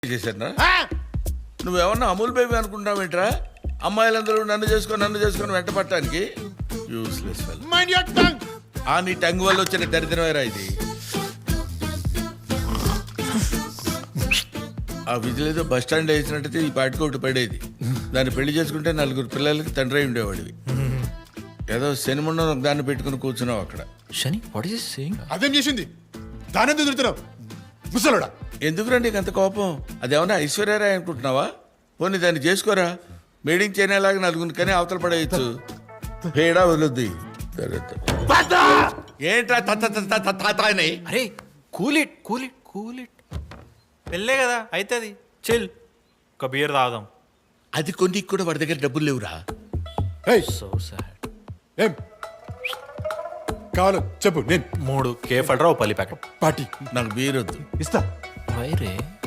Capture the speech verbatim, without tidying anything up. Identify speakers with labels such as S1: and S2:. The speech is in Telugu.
S1: చేశారా నువ్వేమన్నా అమూల్ బేబీ అనుకుంటావేంట్రా? అమ్మాయిలందరూ నన్ను చేసుకొని నన్ను చేసుకొని వెంట పట్టడానికి useless fellow.
S2: Mind your tongue.
S1: ఆ నీ టంగ్ వల్ల వచ్చిన దరిద్రమేరా ఇది. ఆ విధులేదో బస్ స్టాండ్ వేసినట్టయితే ఈ పాటికోటి పడేది. దాన్ని పెళ్లి చేసుకుంటే నలుగురు పిల్లలకి తండ్రి అయి ఉండేవాడివి. ఏదో శనిముండం దాన్ని పెట్టుకుని కూర్చున్నావు అక్కడ.
S3: శని వాట్ ఈస్ సేయింగ్?
S2: అదేం చేసింది? దాని ఎదురుతున్నావు ముసలోడా.
S1: ఎందుకురా నీకు అంత కోపం? అదేమన్నా ఐశ్వర్యరాయ్ అనుకుంటున్నావా? పోనీ దాన్ని చేసుకోరా. మీటింగ్ చేయనేలాగా నలుగురిని కానీ అవతల పడేయచ్చు. పేడా వదులుద్ది. ఏంట్రా తాతాని?
S3: అరే cool it cool it cool it. పెళ్ళే కదా అవుతుంది, చిల్. ఒక బియర్ తాగుదాం.
S1: అది కొన్ని కూడా వాడి దగ్గర డబ్బులు లేవురా.
S2: ఏయ్,
S3: సో సాడ్.
S2: ఏం కావాలో చెప్పు. నేను
S3: మూడు కేఫ్ అడ్రా ఓ పల్లి ప్యాకెట్.
S2: పార్టీ
S1: నాకు బీరొద్దు.
S2: ఇస్తా.
S3: వైరే